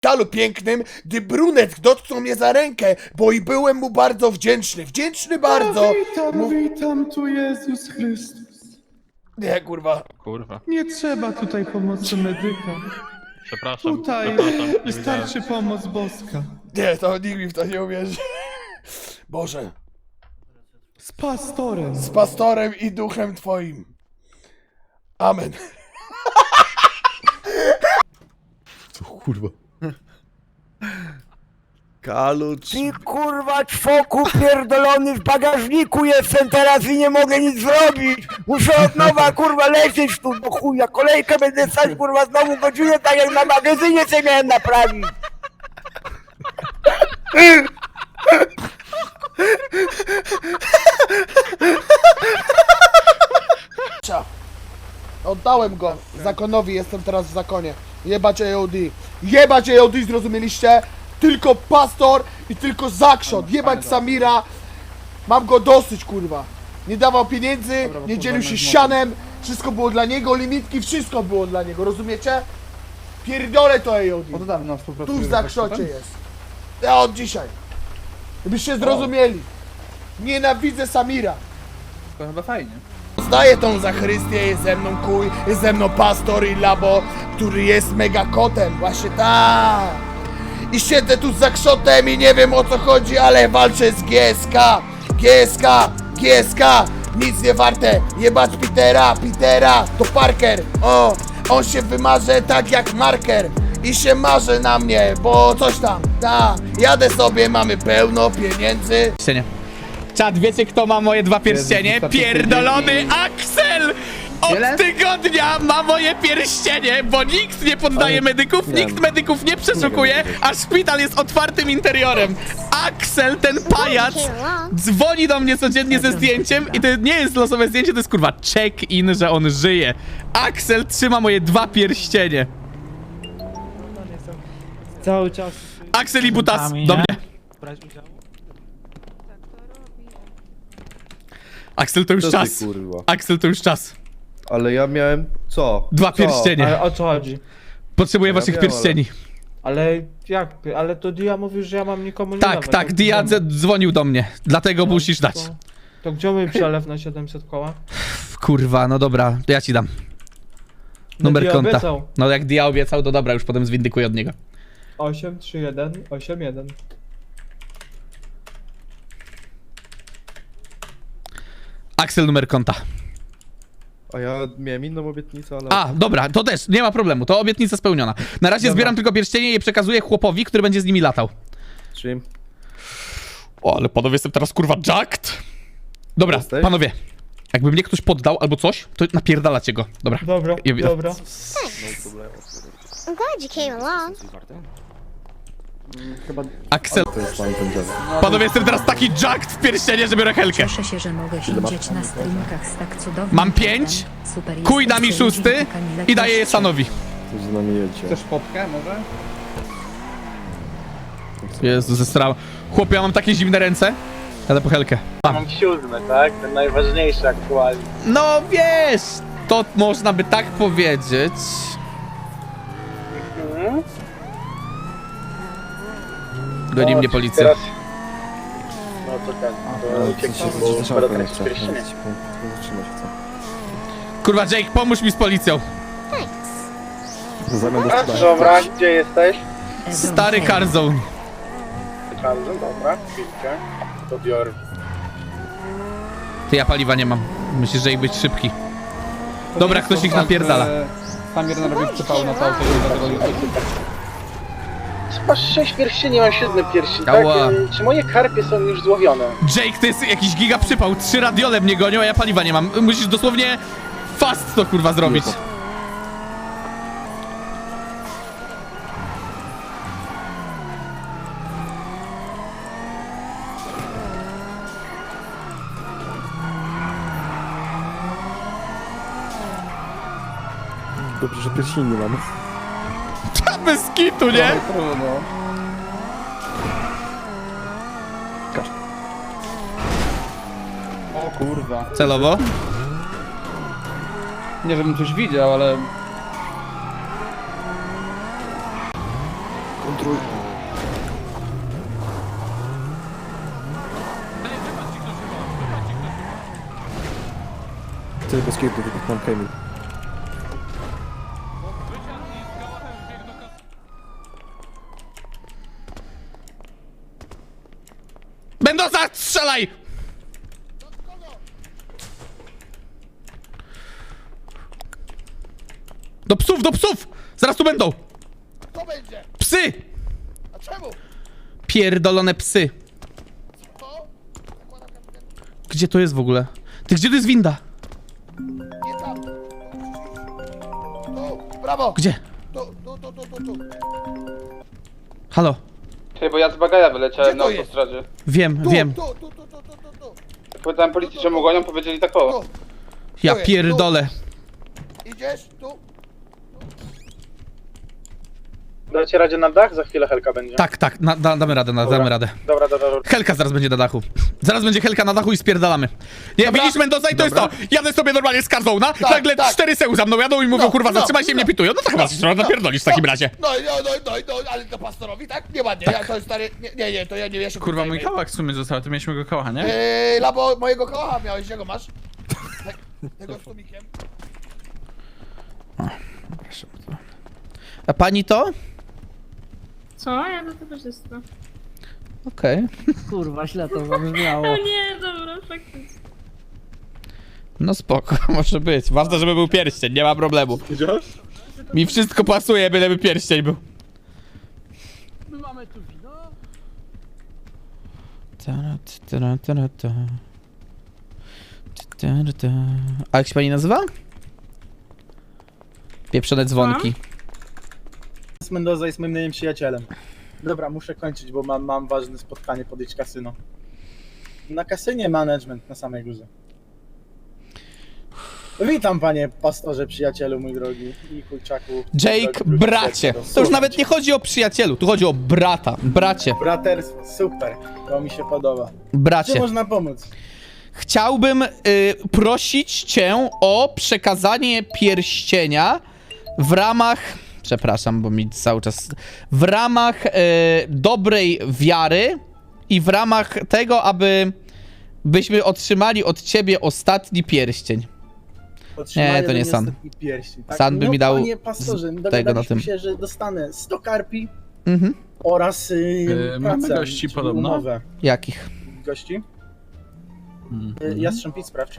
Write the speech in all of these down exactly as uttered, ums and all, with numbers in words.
szpitalu pięknym, gdy brunet dotknął mnie za rękę, bo i byłem mu bardzo wdzięczny. Wdzięczny bardzo. O, witam, Mu... witam, tu Jezus Chrystus. Nie, kurwa. Kurwa. Nie trzeba tutaj pomocy medyka. Przepraszam. Tutaj przepraszam, nie wystarczy pomoc boska. Nie, to nikt mi w to nie uwierzy. Boże. Z pastorem. Z pastorem i duchem twoim. Amen. Co kurwa? Kalucz. Ty kurwa czwoku pierdolony w bagażniku jestem teraz i nie mogę nic zrobić. Muszę od nowa kurwa lecieć tu do chuja. Kolejkę będę stać kurwa znowu godzinę tak jak na magazynie co miałem naprawić. Oddałem go zakonowi, jestem teraz w zakonie. Jebać A O D. Jebać A O D, zrozumieliście? Tylko pastor i tylko zakrzot. Jebać Samira. Mam go dosyć, kurwa. Nie dawał pieniędzy, nie dzielił się sianem. Wszystko było dla niego, limitki, wszystko było dla niego, rozumiecie? Pierdolę to A O D. Tu w zakrzocie jest. Ja od dzisiaj. Żebyście zrozumieli. Nienawidzę Samira. To chyba fajnie. Znaję tą Zachrystię, jest ze mną kuj, jest ze mną pastor i labo, który jest mega kotem, właśnie tak. I siedzę tu z zakrzotem i nie wiem o co chodzi, ale walczę z G S K, G S K, G S K, nic nie warte, jebać Petera, Petera, to Parker, o, on się wymarze tak jak marker. I się marzy na mnie, bo coś tam, ta, jadę sobie, mamy pełno pieniędzy. Pierścienie. Czad, wiecie kto ma moje dwa pierścienie? Pierdolony Axel! Od tygodnia ma moje pierścienie, bo nikt nie poddaje medyków, nikt medyków nie przeszukuje, a szpital jest otwartym interiorem. Axel, ten pajac, dzwoni do mnie codziennie ze zdjęciem i to nie jest losowe zdjęcie, to jest kurwa check-in, że on żyje. Axel trzyma moje dwa pierścienie. Cały czas. Axel i Butas, do mnie. Axel to już Co ty, czas. kurwa? Axel to już czas. Ale ja miałem co? Dwa Co? pierścienie. Ale o co chodzi? Potrzebuję Ja waszych wiem, pierścieni. Ale jak? Ale to Dia mówił, że ja mam nikomu nie Tak, dawać. tak, To Dia gdzie- dzwonił do mnie, dlatego No, musisz dać. To, to gdzie mój przelew na siedemset koła? Kurwa, no dobra, to ja ci dam. No Numer Dia konta. obiecał. No jak Dia obiecał, to dobra, już potem zwindykuję od niego. osiem trzy jeden osiem jeden. Axel, numer konta. A ja miałem inną obietnicę, ale... A, dobra, to też, nie ma problemu, to obietnica spełniona. Na razie Dobra. zbieram tylko pierścienie i je przekazuję chłopowi, który będzie z nimi latał. Czym? O, ale panowie, jestem teraz kurwa jacked. Dobra, Jesteś? panowie, jakby mnie ktoś poddał albo coś, to napierdalacie go. Dobra. Dobra, Ja- dobra. I'm glad you came along. Axel, To jest pan ten dziad. panowie, jestem teraz taki jacked w pierścienie, że biorę helkę. Cieszę się, że mogę siedzieć na streamkach z tak cudownym Mam kontentem. pięć, Super Kuj da mi jesteście, szósty ludzie, Kamilek, i daję je goście. Sanowi. Coś z nami jedzie. Chcesz fotkę może? Jezu, zesrałem. Chłopie, ja mam takie zimne ręce. Jadę po helkę. Mam. Mam siódmy, tak? Ten najważniejszy aktualnie. No wiesz, to można by tak powiedzieć. Mhm. Goni No, mnie policja. Teraz... No to ten, to ucieknij, bo skoro tracisz pierścienie. Kurwa, Jake, pomóż mi z policją. A, dobra, gdzie jesteś? Ebron Stary Hale. Carzone. Bardzo, dobra, chwilkę. To biorę. Ty, ja paliwa nie mam. Myślisz, że ich być szybki. Dobra, ktoś ich napierdala. Samir narobił przypał na to auto i dlatego nie Masz sześć pierścieni, mam siódmy pierścień, tak? Ała. Ym, Czy moje karpie są już złowione? Jake, to jest jakiś giga przypał. Trzy radiole mnie gonią, a ja paliwa nie mam. Musisz dosłownie fast to kurwa zrobić. Dobrze, że pierścieni nie mamy. Bez kitu, nie? trudno. O kurwa. Celowo. Nie żebym coś widział, ale Kontruj. Ty bez kiedy mam Kamil. Mendoza, strzelaj! Do psów, do psów! Zaraz tu będą! Kto będzie? Psy! A czemu? Pierdolone psy. Co? Zakładam kapitę. Gdzie to jest w ogóle? Ty, gdzie to jest winda? Nie tam. Tu, brawo. Gdzie? Tu, tu, tu, tu, tu, tu. Halo? Hej, bo ja z bagaja wyleciałem Gdzie na to jest? autostradzie. Wiem, Tu, wiem. Tu, tu, tu, tu, tu, tu, tu. Powiedziałem policji, że mu gonią, powiedzieli tak o. Tu. Ja Tu jest, pierdolę. Idziesz? Tu? Dacie radzie na dach? Za chwilę Helka będzie. Tak, tak, na, da, damy radę, na, damy radę. Dobra, dobra, dobra. Helka zaraz będzie na dachu. Zaraz będzie Helka na dachu i spierdalamy. Nie, widzisz Mendoza i to jest to. Jadę sobie normalnie z Carzona, nagle tak. cztery seł za mną jadą i mówią, No, kurwa, no, zatrzymaj się i no. mnie pitują. No to chyba trzeba napierdolić w takim razie. No, no, no, no, no, ale to pastorowi, tak? Nieładnie, ja to jest stary... Nie, nie, nie, to ja nie, ja się... Kurwa, mój tutaj- kałak w sumie został, to mieliśmy go kałacha, nie? Eee, labo mojego kocha miałeś, gdzie go masz? Te, tego z tumikiem. A pani to? Co? Ja do tego wszystko. Okej. Kurwa, źle to zabrzmiało. O nie, dobra, faktycznie. No spoko, może być. Ważne, żeby był pierścień, nie ma problemu. Mi wszystko pasuje, byleby pierścień był. My mamy tu wino. Ta, ta, ta, ta, ta. Ta, ta, ta. A jak się pani nazywa? Pieprzone dzwonki. Mendoza jest moim najlepszym przyjacielem. Dobra, muszę kończyć, bo mam, mam ważne spotkanie, podejść kasyno. Na kasynie management na samej górze. Witam panie pastorze, przyjacielu mój drogi i kurczaku. Jake, bracie. To już nawet nie chodzi o przyjacielu, tu chodzi o brata. Bracie, Braterstwo, super, to mi się podoba. Czy bracie. można pomóc? Chciałbym y, prosić cię o przekazanie pierścienia w ramach... Przepraszam, bo mi cały czas... W ramach y, dobrej wiary i w ramach tego, aby byśmy otrzymali od ciebie ostatni pierścień. Otrzymanie Nie, to nie ode mnie San. ostatni pierścień, tak? San by no, mi dał Panie pastorze, z- tego dogadaliśmy na tym. się, że dostanę sto karpi Mhm. oraz y, Yy, mamy pracę, gości czyli podobno. umowę. Jakich? Gości? Mhm. Y, Jastrząb, sprawdź.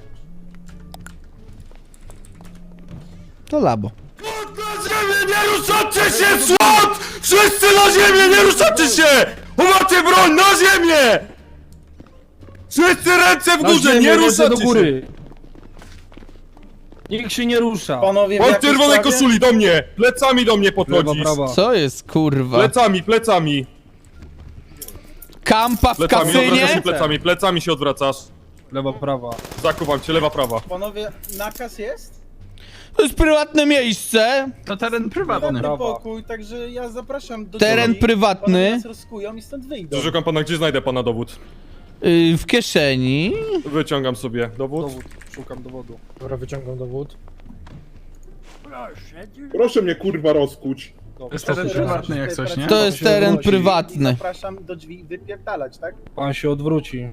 To labo. Na ziemię, nie ruszacie się, słod! Wszyscy na ziemię, nie ruszacie się! Umacie broń, na ziemię! Wszyscy ręce w górze, nie ruszacie się! Nikt się nie rusza. Panowie, w On w jakiej czerwonej sprawie? koszuli do mnie! Plecami do mnie podchodzisz! Co jest, kurwa? Plecami, plecami! Kampa w Plecami, odwracasz się kasynie? plecami, plecami się odwracasz. Lewa, prawa. Zakuwam cię, lewa, prawa. Panowie, nakaz jest? To jest prywatne miejsce. To teren prywatny. Prywatny Prawa. pokój, także ja zapraszam do Teren drzwi. prywatny. Panowie nas rozkują i stąd wyjdą. Szukam pana, gdzie znajdę pana dowód? Yy, w kieszeni. Wyciągam sobie dowód. Dowód, szukam dowodu. Dobra, wyciągam dowód. Proszę mnie kurwa rozkuć. To jest teren prywatny jak coś, nie? To jest teren prywatny. Zapraszam do drzwi wypierdalać, tak? Pan się odwróci.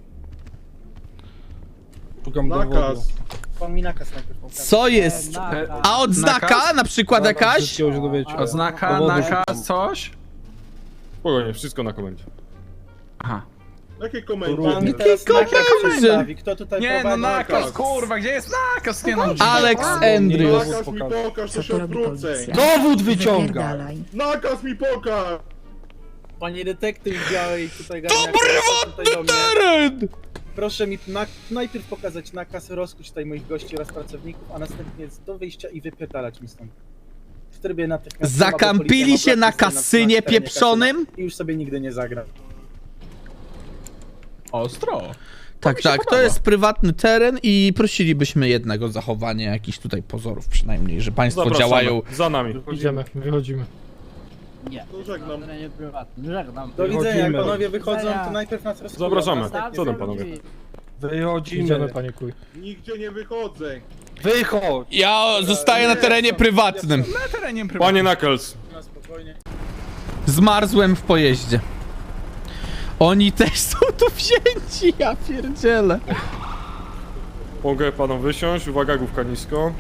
Szukam dowodu. Pan mi nakaz najpierw pokaże. Co jest? A odznaka Nakaz? na przykład jakaś? Wszystkiego się dowiecie. Oznaka, Dowodu nakaz, szukam. coś? Spokojnie, wszystko na komendzie. Aha. Jakie Pan mi komendy? teraz nakaz komendy? przedstawi. Kto tutaj Nie, no prowadzi nakaz, kurwa, gdzie jest nakaz? Nie no. Alex Andrews. Nakaz mi pokaż, Co to się tu robi odwrócę. policja? Dowód wyciąga! Wypierdalaj. Nakaz mi pokaż! Panie detektyw w białej tutaj To garniaku, tutaj do mnie. teren! Proszę mi na, najpierw pokazać nakaz, rozkuć tutaj moich gości oraz pracowników, a następnie do wyjścia i wypierdalać mi stąd. W trybie natychmiastowym. Zakampili się na kasynie pieprzonym? I już sobie nigdy nie zagra. Ostro. Tak, mi się tak, to podoba. jest prywatny teren i prosilibyśmy jednego zachowania jakichś tutaj pozorów przynajmniej, że państwo Zapraszamy. działają. Za nami. Idziemy, wychodzimy. To żegnam. Do widzenia, jak Wychodzimy. panowie wychodzą, to najpierw nas rozkują. Zapraszamy. następnie Co tam, sobie panowie? drzwi. Wychodzimy. Idziemy, panie kuj. Nigdzie nie wychodzę. Wychodź! Ja zostaję na terenie prywatnym. Na terenie prywatnym. Panie Knuckles, Na spokojnie. Zmarzłem w pojeździe. Oni też są tu wzięci, ja pierdzielę. Mogę panu wysiąść, uwaga, główka nisko.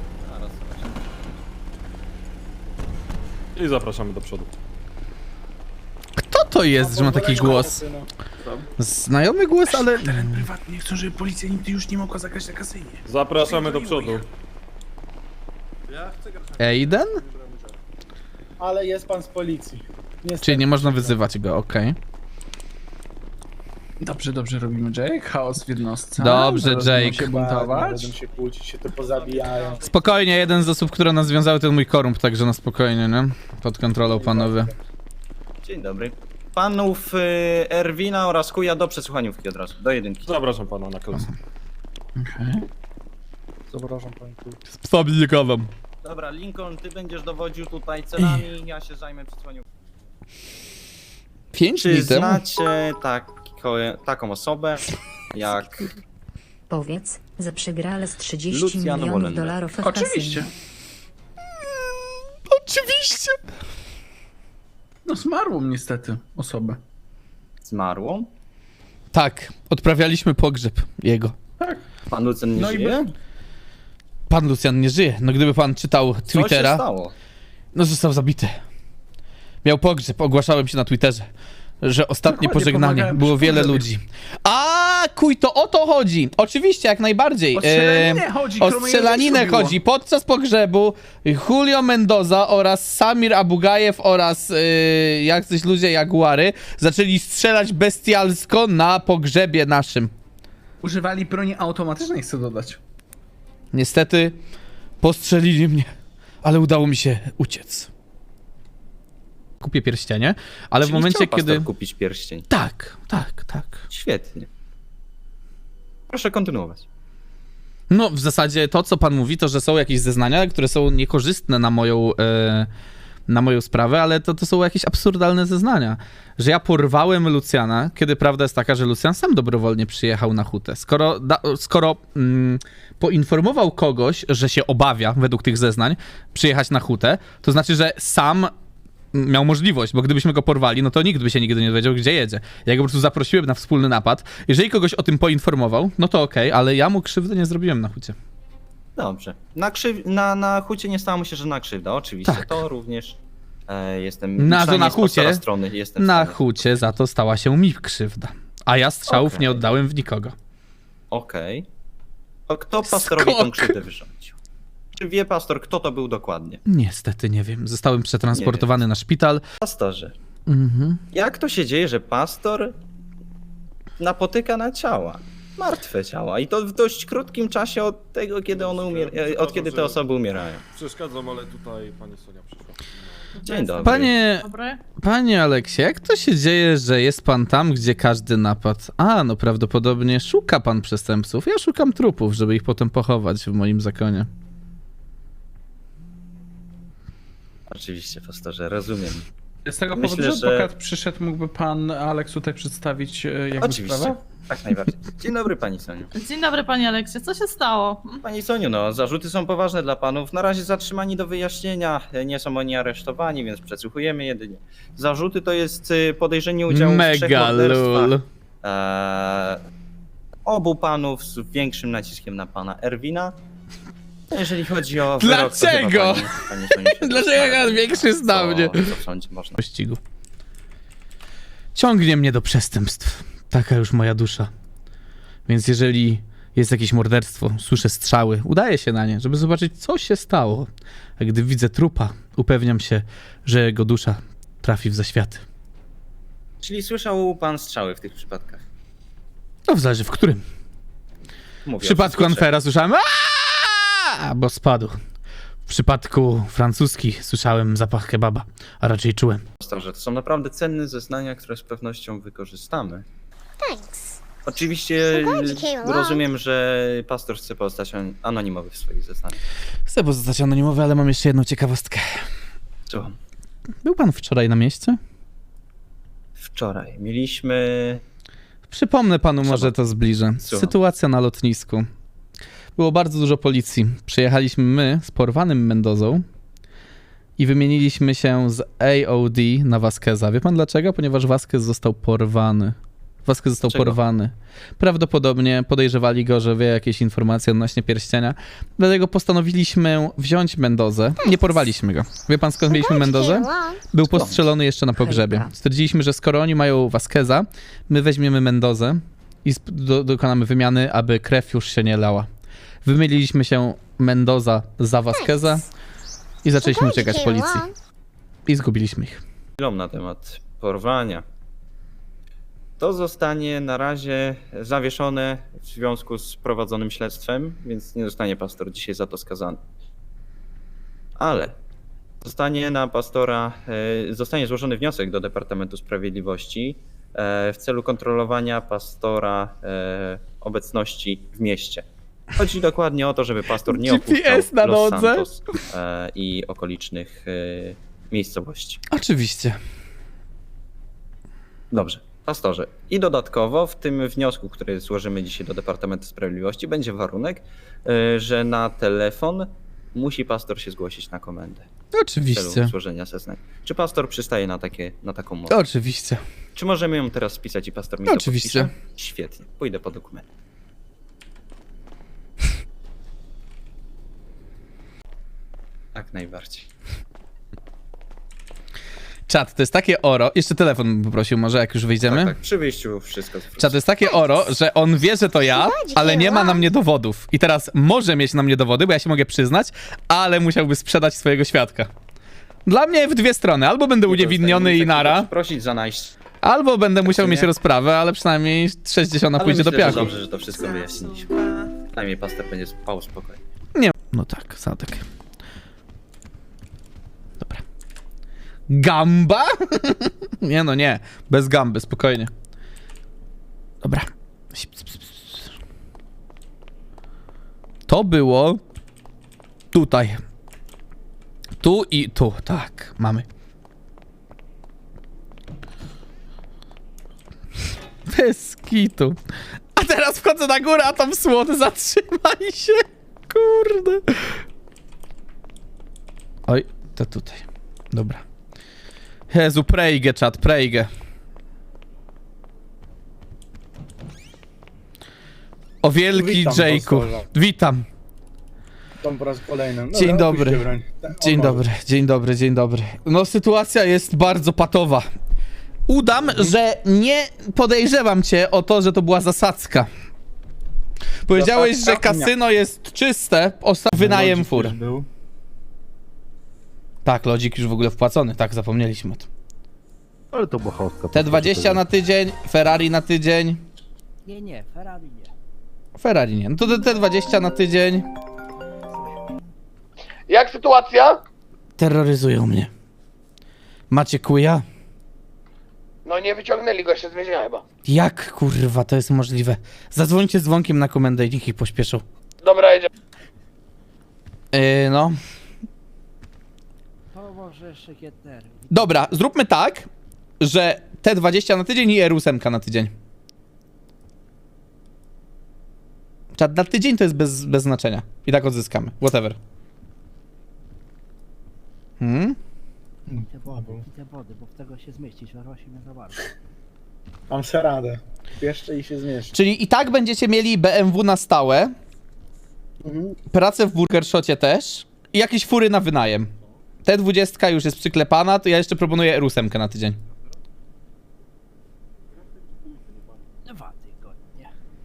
I zapraszamy do przodu. Kto to jest, że ma taki głos? Znajomy głos, ale... Teren prywatny, chcą, żeby policja nigdy już nie mogła zagrać na kasynie. Zapraszamy do przodu. Aiden? Ale jest pan z policji. Niestety. Czyli nie można wyzywać go, okej. Dobrze, dobrze robimy, Jake. Chaos w jednostce. Dobrze, Zaraz będą Jake. się Ładnie, buntować. Będą się kłócić, się to pozabijają. Spokojnie, jeden z osób, które nas związały, to mój korump, także na spokojnie, nie? Pod kontrolą, panowie. Dzień dobry. Panów y, Erwina oraz Kuja do przesłuchaniówki od razu, do jedynki. Zapraszam pana na klasę. Okej. Zapraszam pani tu. Z psami kawam. Dobra, Lincoln, ty będziesz dowodził tutaj celami, ja się zajmę przesłuchaniówką. Pięć Czy dni temu? znacie tako, taką osobę jak... Powiedz, że przegrała z trzydzieści Luciano milionów Molender. dolarów w Oczywiście. kasynie. Oczywiście! No zmarło niestety osobę. Zmarłą? Tak, odprawialiśmy pogrzeb jego. Pan Lucen nie No i żyje? Pan Lucjan nie żyje. No gdyby pan czytał Co się Twittera, stało? no został zabity. Miał pogrzeb, ogłaszałem się na Twitterze, że ostatnie Dokładnie, pożegnanie, pomagałem było przy wiele pogrzebie. ludzi. A kuj, to o to chodzi! Oczywiście, jak najbardziej. O strzelaninę Em, chodzi, O którą strzelaninę jej zrobiło. chodzi. Podczas pogrzebu Julio Mendoza oraz Samir Abugajew oraz yy, jacyś ludzie Jaguary zaczęli strzelać bestialsko na pogrzebie naszym. Używali broni automatycznej, chcę dodać. Niestety postrzelili mnie, ale udało mi się uciec. Kupię pierścienie, ale Czyli w momencie, chciał pastor kiedy... kupić pierścień. Tak, tak, tak. Świetnie. Proszę kontynuować. No, w zasadzie to, co pan mówi, to, że są jakieś zeznania, które są niekorzystne na moją, e, na moją sprawę, ale to, to są jakieś absurdalne zeznania. Że ja porwałem Lucjana, kiedy prawda jest taka, że Lucjan sam dobrowolnie przyjechał na hutę. Skoro, da, skoro mm, poinformował kogoś, że się obawia, według tych zeznań, przyjechać na hutę, to znaczy, że sam miał możliwość, bo gdybyśmy go porwali, no to nikt by się nigdy nie dowiedział, gdzie jedzie. Ja go po prostu zaprosiłem na wspólny napad. Jeżeli kogoś o tym poinformował, no to okej, ale ja mu krzywdy nie zrobiłem na hucie. Dobrze. Na, krzyw... na, na hucie nie stało mu się żadna krzywda, oczywiście. Tak. To również e, jestem... Na to przynajmniej na z pastora hucie, strony jestem w na stanie. hucie za to stała się mi krzywda. A ja strzałów Okej. nie oddałem w nikogo. Okej. To kto pastorowi tą Skok. krzywdę wyrządził? Czy wie pastor, kto to był dokładnie? Niestety nie wiem. Zostałem przetransportowany na szpital. Pastorze, Mhm. jak to się dzieje, że pastor napotyka na ciała? Martwe ciała. I to w dość krótkim czasie od tego, kiedy one umier... e, od kiedy te osoby umierają. Przeszkadzam, ale tutaj pani Sonia przyszła. Dzień dobry. Panie, Dobry. panie Aleksie, jak to się dzieje, że jest pan tam, gdzie każdy napadł? A, no prawdopodobnie szuka pan przestępców. Ja szukam trupów, żeby ich potem pochować w moim zakonie. Oczywiście, pastorze, rozumiem. Z tego Myślę, powodu, że że- adwokat przyszedł, mógłby pan Aleks tutaj przedstawić e, jakby Oczywiście, sprawę? tak najbardziej. Dzień dobry, pani Soniu. Dzień dobry, panie Aleksie. Co się stało? Pani Soniu, no, zarzuty są poważne dla panów. Na razie zatrzymani do wyjaśnienia. Nie są oni aresztowani, więc przesłuchujemy jedynie. Zarzuty to jest y, podejrzenie udziału w trzech Mega morderstwach. lul. Eee, obu panów z większym naciskiem na pana Erwina. Jeżeli chodzi o wyrok, to Dlaczego? chyba pani, pani Soniu się Dlaczego doskonale jak większy zna mnie? Co, co w sądzie można. Pościgu. Ciągnie mnie do przestępstw. Taka już moja dusza. Więc jeżeli jest jakieś morderstwo, słyszę strzały, udaję się na nie, żeby zobaczyć, co się stało. A gdy widzę trupa, upewniam się, że jego dusza trafi w zaświaty. Czyli słyszał pan strzały w tych przypadkach? No w zależy w którym. Mówię W przypadku o wszystkich Anfera słyszałem "Aaaa!", bo spadł. W przypadku francuski słyszałem zapach kebaba, a raczej czułem. Pastorze, to są naprawdę cenne zeznania, które z pewnością wykorzystamy. Oczywiście rozumiem, że pastor chce pozostać an- anonimowy w swoich zeznaniach. Chcę pozostać anonimowy, ale mam jeszcze jedną ciekawostkę. Słucham. Był pan wczoraj na mieście? Wczoraj mieliśmy... Przypomnę panu, Co może to? to zbliżę. Słucham. Sytuacja na lotnisku. Było bardzo dużo policji. Przyjechaliśmy my z porwanym Mendozą i wymieniliśmy się z A O D na Vasqueza. Wie pan dlaczego? Ponieważ Vasquez został porwany. Vasquez został Czego? porwany. Prawdopodobnie podejrzewali go, że wie jakieś informacje odnośnie pierścienia. Dlatego postanowiliśmy wziąć Mendozę. Nie porwaliśmy go. Wie pan skąd mieliśmy Mendozę? Był postrzelony jeszcze na pogrzebie. Stwierdziliśmy, że skoro oni mają Vasqueza, my weźmiemy Mendozę i sp- do, dokonamy wymiany, aby krew już się nie lała. Wymyliliśmy się Mendoza za Vasqueza i zaczęliśmy uciekać policji. I zgubiliśmy ich. Chwilą na temat porwania. To zostanie na razie zawieszone w związku z prowadzonym śledztwem, więc nie zostanie pastor dzisiaj za to skazany. Ale zostanie na pastora, e, zostanie złożony wniosek do Departamentu Sprawiedliwości e, w celu kontrolowania pastora e, obecności w mieście. Chodzi dokładnie o to, żeby pastor nie G P S opuszczał na Los nodze. Santos e, i okolicznych e, miejscowości. Oczywiście. Dobrze, pastorze. I dodatkowo w tym wniosku, który złożymy dzisiaj do Departamentu Sprawiedliwości, będzie warunek, y, że na telefon musi pastor się zgłosić na komendę w Oczywiście. celu złożenia zeznań. Czy pastor przystaje na, takie, na taką mowę? Oczywiście. Czy możemy ją teraz spisać i pastor mi to Oczywiście. podpisze? Świetnie, pójdę po dokument. Jak najbardziej. Czat, to jest takie oro. Jeszcze telefon bym poprosił, może jak już wyjdziemy. Tak, tak, przy wyjściu wszystko zwrócę. Czat, to jest takie oro, że on wie, że to ja, ale nie ma na mnie dowodów. I teraz może mieć na mnie dowody, bo ja się mogę przyznać, ale musiałby sprzedać swojego świadka. Dla mnie w dwie strony. Albo będę uniewinniony i nara, Prosić za najść. albo będę musiał nie? mieć rozprawę, ale przynajmniej sześćdziesiąt Ale pójdzie do myślę, że piachu. dobrze, że to wszystko wyjaśniliśmy. Przynajmniej pastor będzie spał spokojnie. Nie. No tak, Sadek. Dobra. Gamba? Nie no, nie. Bez gamby, spokojnie. Dobra. To było tutaj. Tu i tu, tak, mamy. Bez kitu. A teraz wchodzę na górę, a tam słod, zatrzymaj się. Kurde. Oj, to tutaj. Dobra. Jezu, prejgę, czat, prejgę. O wielki Witam, Jake'u. pastorze. Witam. Tam po raz kolejny. Dobra, Dzień dobry. opuśćcie broń. Tak, Dzień o, dobry, dzień dobry, dzień dobry. No sytuacja jest bardzo patowa. Udam, że nie podejrzewam cię o to, że to była zasadzka. Powiedziałeś, że Zasadzka? kasyno jest czyste, ostatnio wynajem Lodzik fur. już był. Tak, lodzik już w ogóle wpłacony, tak, zapomnieliśmy o tym. Ale to bochowska. T dwadzieścia na tydzień, Ferrari na tydzień. Nie, nie, Ferrari nie. Ferrari nie, no to T dwadzieścia na tydzień. Jak sytuacja? Terroryzują mnie. Macie kuja? No nie wyciągnęli go jeszcze z więzienia chyba. Jak kurwa to jest możliwe? Zadzwońcie z dzwonkiem na komendę i niech ich pośpieszą. Dobra, jedziemy. Yy, no. To może jeszcze Kietner. Dobra, zróbmy tak, że T dwadzieścia na tydzień i R osiem na tydzień. Czad na tydzień to jest bez, bez znaczenia. I tak odzyskamy. Whatever. Hmm? Te wody, te wody, bo w tego się zmieścić, na rośnie nie za bardzo. Mam se radę. Jeszcze i się zmieszczę. Czyli i tak będziecie mieli B M W na stałe, Mhm. pracę w Burger Shocie też i jakieś fury na wynajem. T dwadzieścia już jest przyklepana, to ja jeszcze proponuję R osiem na tydzień. Dwa tygodnie.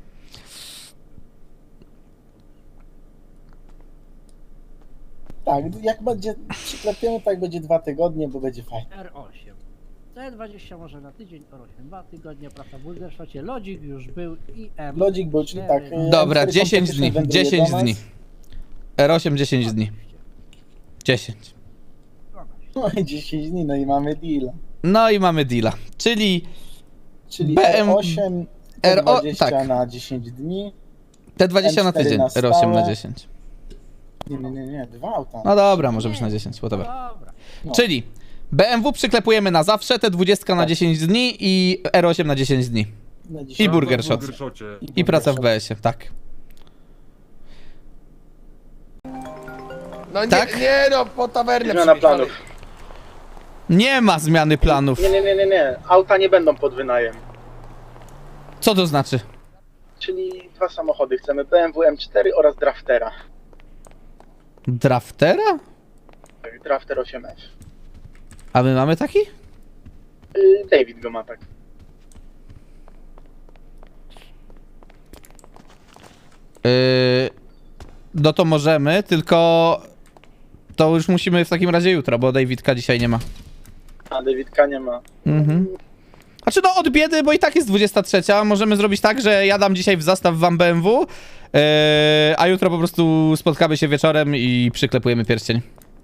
Tak, jak będzie przyklepiony, tak będzie dwa tygodnie, bo będzie fajnie. R osiem. T dwadzieścia może na tydzień, R osiem dwa tygodnie, praca w Bulderszocie, Lodzik już był i M. Lodzik był, czyli tak. e, Dobra, M cztery dziesięć Competition dni, wędruje dziesięć do nas. dni. R osiem dziesięć dni. dziesięć. No i dziesięć dni, no i mamy deal. No i mamy deala. Czyli Czyli B M R osiem, R O- T dwadzieścia tak. na dziesięć dni. T dwadzieścia na M cztery tydzień, na R osiem na stałe. dziesięć. Nie, nie, nie, nie, dwa auta. No dobra, może być na dziesięć, whatever. Dobra. No. Czyli B M W przyklepujemy na zawsze, T dwadzieścia na dziesięć dni i R osiem na dziesięć dni. Na I dziesięć Burger W Shot. Burger Shocie. I praca w B S ie, tak. No nie, Tak? nie no, po tawernę Zmiana przyjechali. planów. Nie ma zmiany planów. Nie, nie, nie, nie, nie. Auta nie będą pod wynajem. Co to znaczy? Czyli dwa samochody. Chcemy B M W M cztery oraz Draftera. Draftera? Tak, Drafter osiem F. A my mamy taki? Yy, David go ma tak. Yy, no to możemy, tylko to już musimy w takim razie jutro, bo Davidka dzisiaj nie ma. A Davidka nie ma. Mhm. Znaczy no od biedy, bo i tak jest dwudziesta trzecia. Możemy zrobić tak, że ja dam dzisiaj w zastaw wam B M W, yy, a jutro po prostu spotkamy się wieczorem i przyklepujemy pierścień.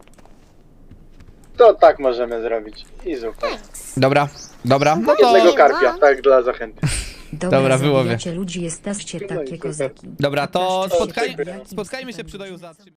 To tak możemy zrobić. I super. Dobra, dobra, no Jednego to... karpia, tak dla zachęty. Dobra, wyłowię. zabijacie ludzi, jesteście takie kozaki. Dobra, to Pokażcie się, spotkaj... jakim spotkajmy się cudem przy doju za...